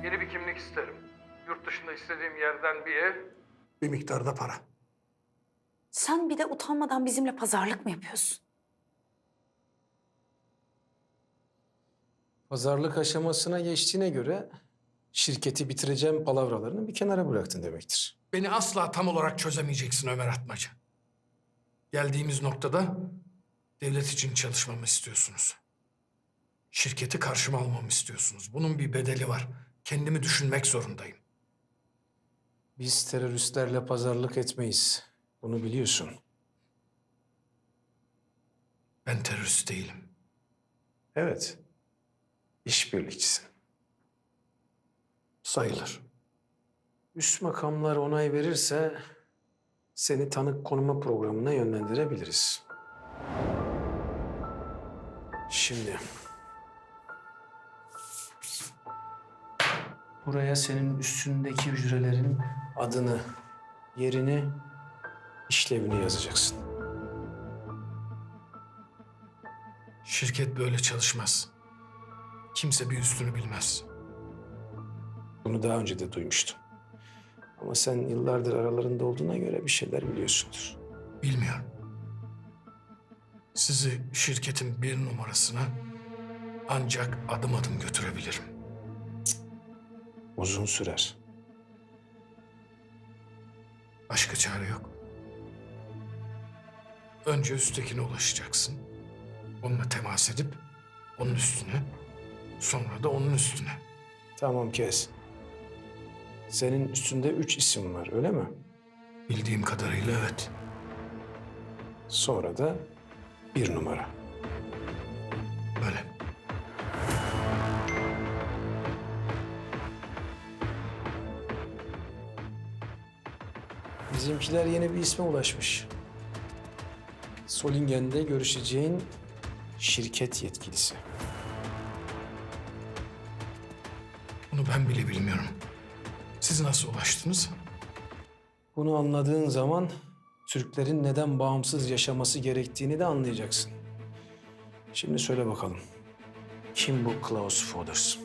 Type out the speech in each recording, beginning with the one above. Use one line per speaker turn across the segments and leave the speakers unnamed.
Yeni bir kimlik isterim. Yurt dışında istediğim yerden bir ev, bir miktarda para.
Sen bir de utanmadan bizimle pazarlık mı yapıyorsun?
Pazarlık aşamasına geçtiğine göre şirketi bitireceğim palavralarını bir kenara bıraktın demektir.
Beni asla tam olarak çözemeyeceksin Ömer Atmaca. Geldiğimiz noktada devlet için çalışmamı istiyorsunuz. Şirketi karşıma almamı istiyorsunuz. Bunun bir bedeli var. Kendimi düşünmek zorundayım.
Biz teröristlerle pazarlık etmeyiz. Bunu biliyorsun.
Ben terörist değilim.
Evet. İşbirlikçisin.
Sayılır.
Üst makamlar onay verirse seni tanık konuma programına yönlendirebiliriz. Şimdi buraya senin üstündeki hücrelerin adını, yerini, işlevini yazacaksın.
Şirket böyle çalışmaz. Kimse bir üstünü bilmez.
Bunu daha önce de duymuştum. Ama sen yıllardır aralarında olduğuna göre bir şeyler biliyorsundur.
Bilmiyorum. Sizi şirketin bir numarasına ancak adım adım götürebilirim.
Uzun sürer.
Başka çare yok. Önce üsttekine ulaşacaksın. Onunla temas edip onun üstüne, sonra da onun üstüne.
Tamam kes. Senin üstünde 3 isim var, öyle mi?
Bildiğim kadarıyla evet.
Sonra da 1 numara.
Böyle.
Bizimkiler yeni bir isme ulaşmış. Solingen'de görüşeceğin şirket yetkilisi.
Bunu ben bile bilmiyorum. Siz nasıl ulaştınız?
Bunu anladığın zaman Türklerin neden bağımsız yaşaması gerektiğini de anlayacaksın. Şimdi söyle bakalım. Kim bu Klaus Foders?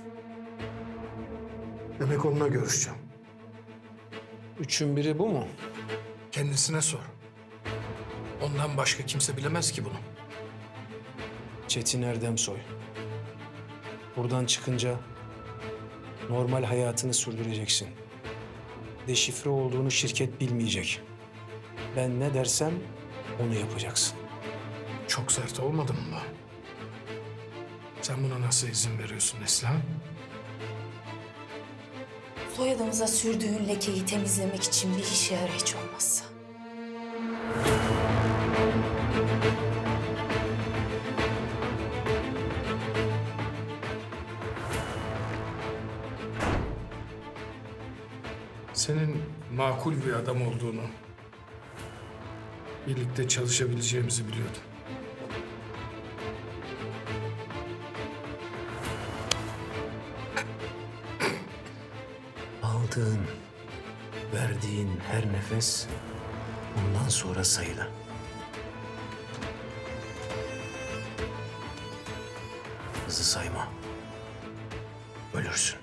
Demek onunla görüşeceğim.
Üçün biri bu mu?
Kendisine sor. Ondan başka kimse bilemez ki bunu.
Çetin Erdemsoy. Buradan çıkınca normal hayatını sürdüreceksin. Deşifre olduğunu şirket bilmeyecek. Ben ne dersem onu yapacaksın.
Çok sert olmadı mı bu? Sen buna nasıl izin veriyorsun Neslihan?
Soyadımıza sürdüğün lekeyi temizlemek için bir işe yarar hiç olmazsa.
Senin makul bir adam olduğunu, birlikte çalışabileceğimizi biliyordum.
Aldığın, verdiğin her nefes bundan sonra sayılı. Hızlı sayma. Ölürsün.